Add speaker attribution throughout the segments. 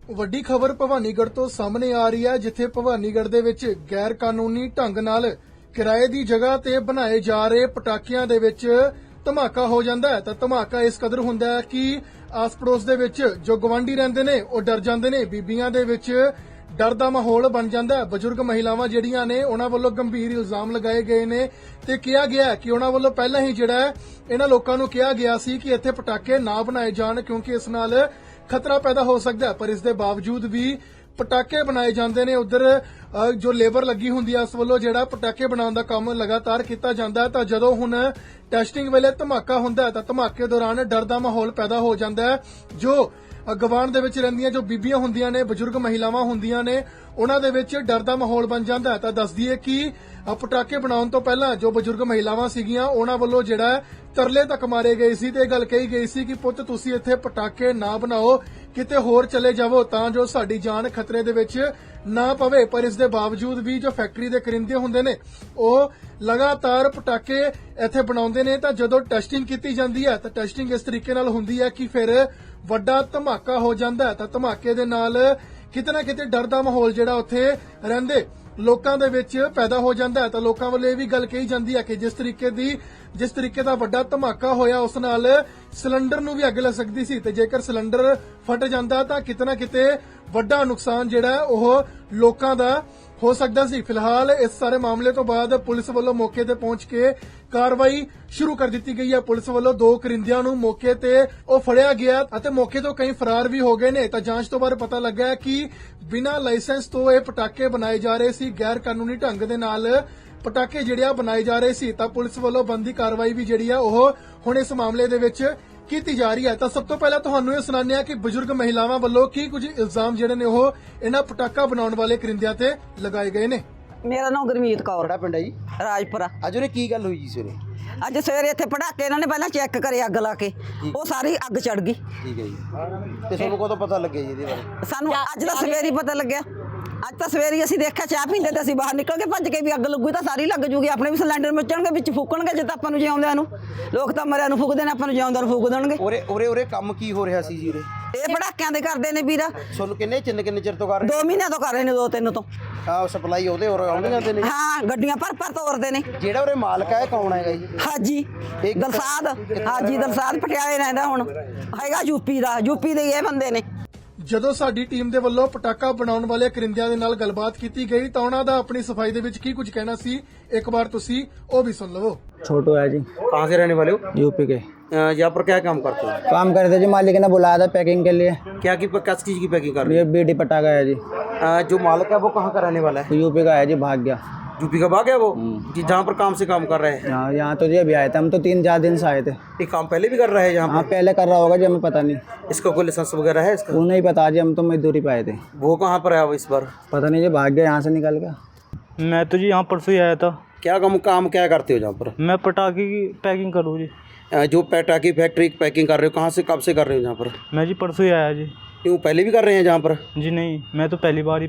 Speaker 1: ਵੱਡੀ ਖਬਰ ਭਵਾਨੀਗੜ੍ਹ ਤੋਂ ਸਾਹਮਣੇ ਆ ਰਹੀ ਹੈ, ਜਿੱਥੇ ਭਵਾਨੀਗੜ੍ਹ ਦੇ ਵਿੱਚ ਗੈਰ ਕਾਨੂੰਨੀ ਢੰਗ ਨਾਲ ਕਿਰਾਏ ਦੀ ਜਗ੍ਹਾ ਤੇ ਬਣਾਏ ਜਾ ਰਹੇ ਪਟਾਕਿਆਂ ਦੇ ਵਿੱਚ ਧਮਾਕਾ ਹੋ ਜਾਂਦਾ ਹੈ। ਤਾਂ ਧਮਾਕਾ ਇਸ ਕਦਰ ਹੁੰਦਾ ਹੈ ਕਿ ਆਸ-ਪੜੋਸ ਦੇ ਵਿੱਚ ਜੋ ਗਵਾਂਢੀ ਰਹਿੰਦੇ ਨੇ ਉਹ ਡਰ ਜਾਂਦੇ ਨੇ। ਬੀਬੀਆਂ ਦੇ ਵਿੱਚ ਡਰ ਦਾ ਮਾਹੌਲ ਬਣ ਜਾਂਦਾ ਹੈ। ਬਜ਼ੁਰਗ ਮਹਿਲਾਵਾਂ ਜਿਹੜੀਆਂ ਨੇ ਉਹਨਾਂ ਵੱਲੋਂ ਗੰਭੀਰ ਇਲਜ਼ਾਮ ਲਗਾਏ ਗਏ ਨੇ ਤੇ ਕਿਹਾ ਗਿਆ ਕਿ ਉਹਨਾਂ ਵੱਲੋਂ ਪਹਿਲਾਂ ਹੀ ਜਿਹੜਾ ਹੈ ਇਹਨਾਂ ਲੋਕਾਂ ਨੂੰ ਕਿਹਾ ਗਿਆ ਸੀ ਕਿ ਇੱਥੇ ਪਟਾਕੇ ਨਾ ਬਣਾਏ ਜਾਣ, ਕਿਉਂਕਿ ਇਸ ਨਾਲ ਖਤਰਾ ਪੈਦਾ ਹੋ ਸਕਦਾ ਹੈ। ਪਰ ਇਸ ਦੇ ਬਾਵਜੂਦ ਵੀ ਪਟਾਕੇ ਬਣਾਏ ਜਾਂਦੇ ਨੇ। ਉਧਰ ਜੋ ਲੇਬਰ ਲੱਗੀ ਹੁੰਦੀ ਹੈ ਉਸ ਵੱਲੋਂ ਜਿਹੜਾ ਪਟਾਕੇ ਬਣਾਉਣ ਦਾ ਕੰਮ ਲਗਾਤਾਰ ਕੀਤਾ ਜਾਂਦਾ ਹੈ। ਤਾਂ ਜਦੋਂ ਹੁਣ ਟੈਸਟਿੰਗ ਵੇਲੇ ਧਮਾਕਾ ਹੁੰਦਾ ਹੈ ਤਾਂ ਧਮਾਕੇ ਦੌਰਾਨ ਡਰ ਦਾ ਮਾਹੌਲ ਪੈਦਾ ਹੋ ਜਾਂਦਾ ਹੈ। ਜੋ ਗਵਾਂਢ ਦੇ ਵਿੱਚ ਰਹਿੰਦੀਆਂ ਜੋ ਬੀਬੀਆਂ ਹੁੰਦੀਆਂ ਨੇ, ਬਜ਼ੁਰਗ ਮਹਿਲਾਵਾਂ ਹੁੰਦੀਆਂ ਨੇ, ਉਹਨਾਂ ਦੇ ਵਿੱਚ ਡਰ ਦਾ ਮਾਹੌਲ ਬਣ ਜਾਂਦਾ ਹੈ। ਤਾਂ ਦੱਸ ਦਈਏ ਕਿ ਪਟਾਕੇ ਬਣਾਉਣ ਤੋਂ ਪਹਿਲਾਂ ਜੋ ਬਜ਼ੁਰਗ ਮਹਿਲਾਵਾਂ ਸੀਗੀਆਂ ਉਹਨਾਂ ਵੱਲੋਂ ਜਿਹੜਾ ਤਰਲੇ ਤੱਕ ਮਾਰੇ ਗਏ ਸੀ ਤੇ ਇਹ ਗੱਲ ਕਹੀ ਗਈ ਸੀ ਕਿ ਪੁੱਤ ਤੁਸੀਂ ਇੱਥੇ ਪਟਾਕੇ ਨਾ ਬਣਾਓ, ਕਿਤੇ ਹੋਰ ਚਲੇ ਜਾਵੋ ਤਾਂ ਜੋ ਸਾਡੀ ਜਾਨ ਖਤਰੇ ਦੇ ਵਿੱਚ ਨਾ ਪਵੇ। ਪਰ ਇਸ ਦੇ ਬਾਵਜੂਦ ਵੀ ਜੋ ਫੈਕਟਰੀ ਦੇ ਕਰਿੰਦੇ ਹੁੰਦੇ ਨੇ ਉਹ ਲਗਾਤਾਰ ਪਟਾਕੇ ਇੱਥੇ ਬਣਾਉਂਦੇ ਨੇ। ਤਾਂ ਜਦੋਂ ਟੈਸਟਿੰਗ ਕੀਤੀ ਜਾਂਦੀ ਹੈ ਤਾਂ ਟੈਸਟਿੰਗ ਇਸ ਤਰੀਕੇ ਨਾਲ ਹੁੰਦੀ ਹੈ ਕਿ ਫਿਰ ਵੱਡਾ ਧਮਾਕਾ ਹੋ ਜਾਂਦਾ ਹੈ। ਤਾਂ ਧਮਾਕੇ ਦੇ ਨਾਲ ਕਿਤੇ ਨਾ ਕਿਤੇ ਡਰ ਦਾ ਮਾਹੌਲ ਜਿਹੜਾ ਉੱਥੇ ਰਹਿੰਦੇ ਲੋਕਾਂ ਦੇ ਵਿੱਚ ਪੈਦਾ ਹੋ ਜਾਂਦਾ ਹੈ। ਤਾਂ ਲੋਕਾਂ ਵੱਲੋਂ ਇਹ ਵੀ ਗੱਲ ਕਹੀ ਜਾਂਦੀ ਹੈ ਕਿ ਜਿਸ ਤਰੀਕੇ ਦਾ ਵੱਡਾ ਧਮਾਕਾ ਹੋਇਆ ਉਸ ਨਾਲ ਸਿਲੰਡਰ ਨੂੰ ਵੀ ਅੱਗ ਲੱਗ ਸਕਦੀ ਸੀ ਤੇ ਜੇਕਰ ਸਿਲੰਡਰ ਫਟ ਜਾਂਦਾ ਤਾਂ ਕਿਤੇ ਨਾ ਕਿਤੇ ਵੱਡਾ ਨੁਕਸਾਨ ਜਿਹੜਾ ਹੈ ਉਹ ਲੋਕਾਂ ਦਾ ਹੋ ਸਕਦਾ ਸੀ। ਫਿਲਹਾਲ ਇਸ ਸਾਰੇ ਮਾਮਲੇ ਤੋਂ ਬਾਅਦ ਪੁਲਿਸ ਵੱਲੋਂ ਮੌਕੇ ਤੇ ਪਹੁੰਚ ਕੇ ਕਾਰਵਾਈ ਸ਼ੁਰੂ ਕਰ ਦਿੱਤੀ ਗਈ ਹੈ। ਪੁਲਿਸ ਵੱਲੋਂ 2 ਕਰਿੰਦਿਆਂ ਨੂੰ ਮੌਕੇ ਤੇ ਉਹ ਫੜਿਆ ਗਿਆ ਅਤੇ ਮੌਕੇ ਤੋਂ ਕਈ ਫਰਾਰ ਵੀ ਹੋ ਗਏ ਨੇ। ਤਾਂ ਜਾਂਚ ਤੋਂ ਬਾਅਦ ਪਤਾ ਲੱਗਾ ਹੈ ਕਿ ਬਿਨਾਂ ਲਾਇਸੈਂਸ ਤੋਂ ਇਹ ਪਟਾਕੇ ਬਣਾਏ ਜਾ ਰਹੇ ਸੀ, ਗੈਰ ਕਾਨੂੰਨੀ ਢੰਗ ਦੇ ਨਾਲ ਪਟਾਕੇ ਜਿਹੜੇ ਆ ਬਣਾਏ ਜਾ ਰਹੇ ਸੀ। ਤਾਂ ਪੁਲਿਸ ਵੱਲੋਂ ਬਣਦੀ ਕਾਰਵਾਈ ਵੀ ਜਿਹੜੀ ਆ ਉਹ ਹੁਣ ਇਸ ਮਾਮਲੇ ਦੇ ਵਿੱਚ ਕੀਤੀ ਜਾ ਰਹੀ ਹੈ। ਤਾਂ ਸਭ ਤੋਂ ਪਹਿਲਾਂ ਤੁਹਾਨੂੰ ਇਹ ਸੁਣਾਉਂਦੇ ਹਾਂ ਕਿ ਬਜ਼ੁਰਗ ਮਹਿਲਾਵਾਂ ਵੱਲੋਂ ਕੀ ਕੁਝ ਇਲਜ਼ਾਮ ਜਿਹੜੇ ਨੇ ਉਹ ਇਹਨਾਂ ਪਟਾਕਾ ਬਣਾਉਣ ਵਾਲੇ ਕਰਿੰਦਿਆਂ ਤੇ ਲਗਾਏ ਗਏ ਨੇ।
Speaker 2: ਮੇਰਾ ਨਾਮ ਗੁਰਮੀਤ ਕੌਰ।
Speaker 3: ਕਿਹੜਾ ਪਿੰਡ ਹੈ ਜੀ?
Speaker 2: ਰਾਜਪੁਰਾ।
Speaker 3: ਅੱਜ ਉਹਨੇ ਕੀ ਗੱਲ ਹੋਈ ਜੀ ਸਵੇਰੇ?
Speaker 2: ਅੱਜ ਸਵੇਰੇ ਇੱਥੇ ਪਟਾਕੇ ਇਹਨਾਂ ਨੇ ਪਹਿਲਾਂ ਚੈੱਕ ਕਰੇ ਅੱਗ ਲਾ ਕੇ, ਉਹ ਸਾਰੀ ਅੱਗ ਚੜ ਗਈ।
Speaker 3: ਠੀਕ ਹੈ ਜੀ। ਤੇ ਤੁਹਾਨੂੰ ਕਦੋਂ ਪਤਾ ਲੱਗਿਆ ਜੀ ਇਹਦੇ ਬਾਰੇ?
Speaker 2: ਸਾਨੂੰ ਅੱਜ ਦਾ ਸਵੇਰੇ ਹੀ ਪਤਾ ਲੱਗਿਆ। ਅੱਜ ਤਾਂ ਸਵੇਰੇ ਅਸੀਂ ਦੇਖਿਆ ਚਾਹ ਪੀਂਦੇ ਤੇ ਅਸੀਂ ਬਾਹਰ ਨਿਕਲ ਕੇ ਭੱਜ ਕੇ ਵੀ ਅੱਗ ਲੱਗੂ ਤਾਂ ਸਾਰੀ ਲੱਗ ਜੂਗੀ, ਆਪਣੇ ਵੀ ਸਿਲੰਡਰ ਮਚਣਗੇ, ਵਿੱਚ ਫੂਕਣਗੇ ਜੇ ਤਾਂ ਆਪਾਂ ਨੂੰ ਜਿਉਂਦਿਆਂ ਨੂੰ। ਲੋਕ ਤਾਂ ਮਰਿਆਂ ਨੂੰ ਫੂਕਦੇ ਨੇ, ਆਪਾਂ ਨੂੰ ਜਿਉਂਦਿਆਂ ਨੂੰ ਫੂਕ ਦੇਣਗੇ।
Speaker 3: ਉਰੇ ਕੰਮ ਕੀ ਹੋ ਰਿਹਾ ਸੀ ਜੀ ਉਰੇ?
Speaker 2: ਇਹ ਪਟਾਕਿਆਂ ਦੇ ਕਰਦੇ ਨੇ ਵੀਰਾ।
Speaker 3: ਤੁਹਾਨੂੰ ਕਿੰਨੇ ਚਿਰ ਤੋਂ ਕਰ ਰਹੇ?
Speaker 2: 2 ਮਹੀਨਿਆਂ ਤੋਂ ਕਰ ਰਹੇ ਨੇ, 2-3 ਤੋਂ।
Speaker 3: ਹਾਂ, ਸਪਲਾਈ ਉਹਦੇ ਹੋਰ ਆਉਂਦੇ ਜਾਂਦੇ ਨੇ?
Speaker 2: ਹਾਂ, ਗੱਡੀਆਂ ਭਰ ਤੋਰਦੇ ਨੇ।
Speaker 3: ਜਿਹੜਾ ਉਰੇ ਮਾਲਕ ਹੈ ਕੌਣ ਹੈਗਾ ਜੀ?
Speaker 2: ਹਾਜੀ ਦਲਸਾਦ। ਹਾਜੀ ਦਲਸਾਦ ਪਟਿਆਲੇ ਰਹਿੰਦਾ, ਹੁਣ ਹੈਗਾ ਯੂਪੀ ਦਾ। ਯੂਪੀ ਦੇ ਇਹ ਬੰਦੇ ਨੇ।
Speaker 1: ਜਦੋਂ ਸਾਡੀ ਟੀਮ ਦੇ ਵੱਲੋਂ ਪਟਾਕਾ ਬਣਾਉਣ ਵਾਲੇ ਕਰਿੰਦਿਆਂ ਦੇ ਨਾਲ ਗੱਲਬਾਤ ਕੀਤੀ ਗਈ ਤਾਂ ਉਹਨਾਂ ਦਾ ਆਪਣੀ ਸਫਾਈ ਦੇ ਵਿੱਚ ਕੀ ਕੁਝ ਕਹਿਣਾ ਸੀ, ਇੱਕ ਵਾਰ ਤੁਸੀਂ ਉਹ ਵੀ ਸੁਣ ਲਵੋ।
Speaker 4: छोटू है जी।
Speaker 3: कहाँ से रहने वाले हो?
Speaker 4: यूपी के।
Speaker 3: यहाँ पर क्या काम करते हो?
Speaker 4: काम कर रहे थे जी, मालिक ने बुलाया था पैकिंग के लिए।
Speaker 3: किस चीज़ की पैकिंग कर रहे
Speaker 4: ये बीडी पटाखा है जी।
Speaker 3: हो? जो मालिक है वो कहाँ का रहने वाला है?
Speaker 4: यूपी का है जी, भाग गया।
Speaker 3: यूपी का भाग है वो जी, जहाँ पर काम से काम कर रहे हैं?
Speaker 4: यहाँ तो जी अभी आए थे हम, तो 3-4 दिन से आए थे।
Speaker 3: ये काम पहले भी कर रहा है यहाँ
Speaker 4: हाँ,
Speaker 3: पर?
Speaker 4: पहले कर रहा होगा जी, हमें पता नहीं।
Speaker 3: इसका कोई लाइसेंस वगैरह है इसका?
Speaker 4: वो नहीं पता जी, हम तो मजदूरी पे आए थे।
Speaker 3: वो कहाँ पर है वो इस बार?
Speaker 4: पता नहीं जी, भाग गया यहाँ से निकल गया।
Speaker 5: मैं तो जी यहाँ परसों ही आया था।
Speaker 3: क्या काम क्या करते हो जहाँ पर?
Speaker 5: मैं पटाखे की पैकिंग करूँ जी।
Speaker 3: जो पटाखे फैक्ट्री की पैकिंग कर रहे हो, कहाँ से कब से कर रहे हो जहाँ पर?
Speaker 5: मैं जी परसों ही आया जी।
Speaker 3: क्यों पहले भी कर रहे हैं जहाँ पर?
Speaker 5: जी नहीं, मैं तो पहली बार ही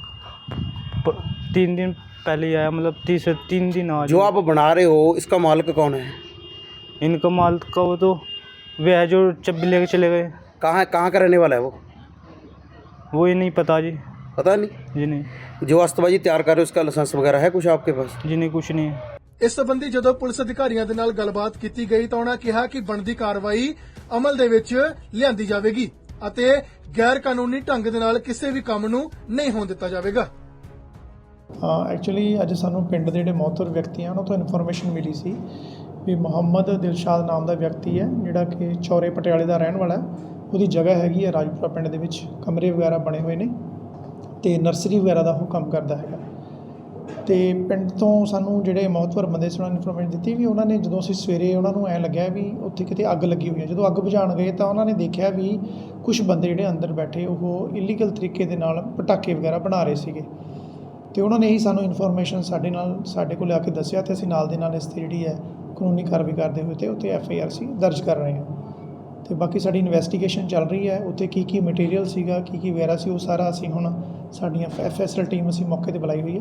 Speaker 5: 3 दिन पहले ही आया, मतलब 3 दिन आज।
Speaker 3: जो आप बना रहे हो इसका मालिक कौन है?
Speaker 5: इनका माल का वो तो वे है जो चब्बी लेके चले गए।
Speaker 3: कहाँ का रहने वाला है वो?
Speaker 5: वो ही नहीं पता जी।
Speaker 3: पता नहीं।
Speaker 5: जी नहीं।
Speaker 3: जो अस्तबाजी तैयार कर रहे हो उसका लाइसेंस वगैरह है कुछ आपके पास?
Speaker 5: जी नहीं, कुछ नहीं है।
Speaker 1: ਇਸ ਸੰਬੰਧੀ ਜਦੋਂ ਪੁਲਿਸ ਅਧਿਕਾਰੀਆਂ ਦੇ ਨਾਲ ਗੱਲਬਾਤ ਕੀਤੀ ਗਈ ਤਾਂ ਉਹਨਾਂ ਕਿਹਾ ਕਿ ਬਣਦੀ ਕਾਰਵਾਈ ਅਮਲ ਦੇ ਵਿੱਚ ਲਿਆਂਦੀ ਜਾਵੇਗੀ ਅਤੇ ਗੈਰ ਕਾਨੂੰਨੀ ਢੰਗ ਦੇ ਨਾਲ ਕਿਸੇ ਵੀ ਕੰਮ ਨੂੰ ਨਹੀਂ ਹੋਣ ਦਿੱਤਾ ਜਾਵੇਗਾ।
Speaker 6: ਐਕਚੁਅਲੀ ਅੱਜ ਸਾਨੂੰ ਪਿੰਡ ਦੇ ਜਿਹੜੇ ਮੌਤਰ ਵਿਅਕਤੀ ਆ ਉਹਨਾਂ ਤੋਂ ਇਨਫੋਰਮੇਸ਼ਨ ਮਿਲੀ ਸੀ ਵੀ ਮੁਹੰਮਦ ਦਿਲਸ਼ਾਦ ਨਾਮ ਦਾ ਵਿਅਕਤੀ ਹੈ ਜਿਹੜਾ ਕਿ ਚੌਰੇ ਪਟਿਆਲੇ ਦਾ ਰਹਿਣ ਵਾਲਾ ਹੈ। ਉਹਦੀ ਜਗ੍ਹਾ ਹੈਗੀ ਹੈ ਰਾਜਪੁਰਾ ਪਿੰਡ ਦੇ ਵਿੱਚ, ਕਮਰੇ ਵਗੈਰਾ ਬਣੇ ਹੋਏ ਨੇ ਤੇ ਨਰਸਰੀ ਵਗੈਰਾ ਦਾ ਉਹ ਕੰਮ ਕਰਦਾ ਹੈਗਾ। ਤੇ ਪਿੰਡ ਤੋਂ ਸਾਨੂੰ ਜਿਹੜੇ ਮੌਤਵਰ ਬੰਦੇ ਸੀ ਉਹਨਾਂ ਨੇ ਇਨਫੋਰਮੇਸ਼ਨ ਦਿੱਤੀ ਵੀ ਉਹਨਾਂ ਨੇ ਜਦੋਂ ਅਸੀਂ ਸਵੇਰੇ ਉਹਨਾਂ ਨੂੰ ਐਂ ਲੱਗਿਆ ਵੀ ਉੱਥੇ ਕਿਤੇ ਅੱਗ ਲੱਗੀ ਹੋਈ ਹੈ। ਜਦੋਂ ਅੱਗ ਬੁਝਾਉਣ ਗਏ ਤਾਂ ਉਹਨਾਂ ਨੇ ਦੇਖਿਆ ਵੀ ਕੁਝ ਬੰਦੇ ਜਿਹੜੇ ਅੰਦਰ ਬੈਠੇ ਉਹ ਇਲੀਗਲ ਤਰੀਕੇ ਦੇ ਨਾਲ ਪਟਾਕੇ ਵਗੈਰਾ ਬਣਾ ਰਹੇ ਸੀਗੇ ਤੇ ਉਹਨਾਂ ਨੇ ਹੀ ਸਾਨੂੰ ਇਨਫੋਰਮੇਸ਼ਨ ਸਾਡੇ ਕੋਲ ਆ ਕੇ ਦੱਸਿਆ ਤੇ ਅਸੀਂ ਨਾਲ ਦੇ ਨਾਲ ਇਸ 'ਤੇ ਜਿਹੜੀ ਹੈ ਕਾਨੂੰਨੀ ਕਾਰਵਾਈ ਕਰਦੇ ਹੋਏ ਤੇ ਉੱਥੇ FIR ਸੀ ਦਰਜ ਕਰ ਰਹੇ ਹਾਂ। ਤੇ ਬਾਕੀ ਸਾਡੀ ਇਨਵੈਸਟੀਗੇਸ਼ਨ ਚੱਲ ਰਹੀ ਹੈ, ਉੱਥੇ ਕੀ ਮਟੀਰੀਅਲ ਸੀਗਾ, ਕੀ ਵਗੈਰਾ ਸੀ, ਉਹ ਸਾਰਾ ਅਸੀਂ ਹੁਣ ਸਾਡੀਆਂ FSL ਟੀਮ ਅਸੀਂ ਮੌਕੇ 'ਤੇ ਬੁਲਾਈ ਹੋਈ ਹੈ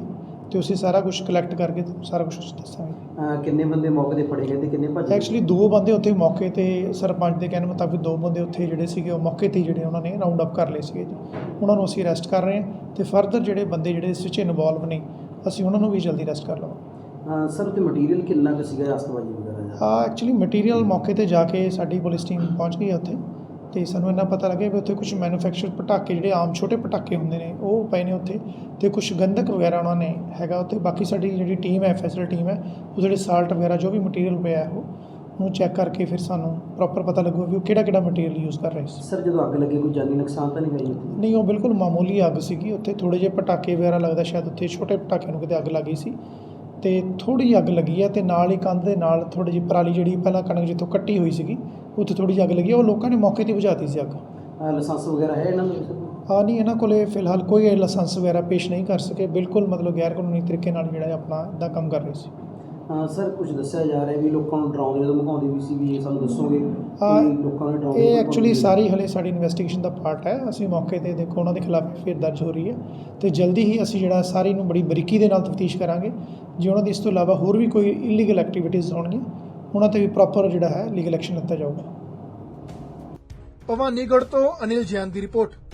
Speaker 6: ਤੇ ਅਸੀਂ ਸਾਰਾ ਕੁਝ ਕਲੈਕਟ ਕਰਕੇ ਸਾਰਾ ਕੁਝ ਦੱਸਾਂਗੇ।
Speaker 3: किन्ने बंदे मौके ते फड़े गए थे किन्ने भज
Speaker 6: ਐਕਚੁਅਲੀ 2 ਬੰਦੇ ਉੱਥੇ ਮੌਕੇ ਤੇ ਸਰਪੰਚ ਦੇ ਕਹਿਣ ਮੁਤਾਬਿਕ 2 ਬੰਦੇ ਉੱਥੇ ਜਿਹੜੇ ਸੀਗੇ ਉਹ ਮੌਕੇ ਤੇ ਹੀ ਜਿਹੜੇ ਉਹਨਾਂ ਨੇ ਰਾਉਂਡ ਅਪ ਕਰ ਲਏ ਸੀਗੇ ਜੀ। ਉਹਨਾਂ ਨੂੰ ਅਸੀਂ ਅਰੈਸਟ ਕਰ ਰਹੇ ਹਾਂ ਤੇ ਫਰਦਰ ਜਿਹੜੇ ਬੰਦੇ ਜਿਹੜੇ ਇਸ ਵਿੱਚ ਇਨਵੋਲਵ ਨੇ ਅਸੀਂ ਉਹਨਾਂ ਨੂੰ ਵੀ ਜਲਦੀ ਅਰੈਸਟ ਕਰ ਲਵਾਂਗੇ।
Speaker 3: सर उत्ते मटीरियल किन्ना कुछ सीगा आतंकवादी वगैरह
Speaker 6: ਹਾਂ ਐਕਚੁਅਲੀ ਮਟੀਰੀਅਲ ਮੌਕੇ ਤੇ ਜਾ ਕੇ ਸਾਡੀ ਪੁਲਿਸ ਟੀਮ ਪਹੁੰਚ ਗਈ ਹੈ ਉੱਥੇ ਤੇ ਸਾਨੂੰ ਇੰਨਾ ਪਤਾ ਲੱਗਿਆ ਵੀ ਉੱਥੇ ਕੁਝ ਮੈਨੂਫੈਕਚਰ ਪਟਾਕੇ ਜਿਹੜੇ ਆਮ ਛੋਟੇ ਪਟਾਕੇ ਹੁੰਦੇ ਨੇ ਉਹ ਪਏ ਨੇ ਉੱਥੇ ਤੇ ਕੁਝ ਗੰਧਕ ਵਗੈਰਾ ਉਹਨਾਂ ਨੇ ਹੈਗਾ ਉੱਥੇ। ਬਾਕੀ ਸਾਡੀ ਜਿਹੜੀ ਟੀਮ ਹੈ ਫੈਸਲ ਟੀਮ ਹੈ ਉਹ ਜਿਹੜੇ ਸਾਲਟ ਵਗੈਰਾ ਜੋ ਵੀ ਮਟੀਰੀਅਲ ਪਿਆ ਹੈ ਉਹਨੂੰ ਚੈੱਕ ਕਰਕੇ ਫਿਰ ਸਾਨੂੰ ਪ੍ਰੋਪਰ ਪਤਾ ਲੱਗੂਗਾ ਵੀ ਉਹ ਕਿਹੜਾ ਮਟੀਰੀਅਲ ਯੂਜ਼ ਕਰ ਰਹੇ ਸੀ।
Speaker 3: सर जो अग लगे कोई जानी नुकसान तो नहीं हुई उत्थे?
Speaker 6: ਨਹੀਂ ਉਹ ਬਿਲਕੁਲ ਮਾਮੂਲੀ ਅੱਗ ਸੀਗੀ ਉੱਥੇ। ਥੋੜ੍ਹੇ ਜਿਹੇ ਪਟਾਕੇ ਵਗੈਰਾ ਲੱਗਦਾ ਸ਼ਾਇਦ ਉੱਥੇ ਛੋਟੇ ਪਟਾਕਿਆਂ ਨੂੰ ਕਿਤੇ ਅੱਗ ਲੱਗ ਗਈ ਸੀ ਤੇ ਥੋੜ੍ਹੀ ਜਿਹੀ ਅੱਗ ਲੱਗੀ ਹੈ ਤੇ ਨਾਲ ਹੀ ਕੰਧ ਦੇ ਨਾਲ ਥੋੜ੍ਹੀ ਜਿਹੀ ਪਰਾਲੀ ਜਿਹੜੀ ਪਹਿਲਾਂ ਕਣਕ ਜਿੱਥੋਂ ਕੱਟੀ ਹੋਈ ਸੀਗੀ ਉੱਥੇ ਥੋੜ੍ਹੀ ਜਿਹੀ ਅੱਗ ਲੱਗੀ ਉਹ ਲੋਕਾਂ ਨੇ ਮੌਕੇ 'ਤੇ ਬੁਝਾਤੀ ਸੀ ਅੱਗ।
Speaker 3: लाइसेंस वगैरह है इन्होंने?
Speaker 6: ਹਾਂ ਨਹੀਂ ਇਹਨਾਂ ਕੋਲੇ ਫਿਲਹਾਲ ਕੋਈ ਲਾਇਸੈਂਸ ਵਗੈਰਾ ਪੇਸ਼ ਨਹੀਂ ਕਰ ਸਕੇ। ਬਿਲਕੁਲ ਮਤਲਬ ਗੈਰ ਕਾਨੂੰਨੀ ਤਰੀਕੇ ਨਾਲ ਜਿਹੜਾ ਆਪਣਾ ਦਾ ਕੰਮ ਕਰ ਰਹੇ ਸੀ।
Speaker 3: सर कुछ दस्या जा रहा है भी लोगों को डराने जो धमकाਉਂਦੇ ਵੀ ਸੀ ਵੀ ਇਹ ਸਾਨੂੰ ਦੱਸੋਗੇ
Speaker 6: ਹਾਂ,
Speaker 3: ਕਿ ਲੋਕਾਂ ਨੂੰ ਡਰਾਉਂਦੇ
Speaker 6: ਇਹ ਐਕਚੁਅਲੀ ਸਾਰੀ ਹਲੇ ਸਾਡੀ ਇਨਵੈਸਟੀਗੇਸ਼ਨ ਦਾ ਪਾਰਟ ਹੈ। ਅਸੀਂ ਮੌਕੇ ਤੇ ਦੇਖੋ ਉਹਨਾਂ ਦੇ ਖਿਲਾਫ ਫਿਰ ਦਰਜ ਹੋ ਰਹੀ ਹੈ ਤੇ ਜਲਦੀ ਹੀ ਅਸੀਂ ਜਿਹੜਾ ਸਾਰੀ ਨੂੰ ਬੜੀ ਬਰੀਕੀ ਦੇ ਨਾਲ ਤਫਤੀਸ਼ ਕਰਾਂਗੇ। ਜੇ ਉਹਨਾਂ ਦੀ ਇਸ ਤੋਂ ਇਲਾਵਾ ਹੋਰ ਵੀ ਕੋਈ ਇਲੀਗਲ ਐਕਟੀਵਿਟੀਜ਼ ਹੋਣਗੀਆਂ ਉਹਨਾਂ ਤੇ ਵੀ ਪ੍ਰੋਪਰ ਜਿਹੜਾ ਹੈ ਲੀਗਲ ਐਕਸ਼ਨ ਲਿੱਤਾ ਜਾਊਗਾ।
Speaker 1: ਭਵਾਨੀਗੜ੍ਹ ਤੋਂ ਅਨਿਲ ਜੈਨ ਦੀ ਰਿਪੋਰਟ।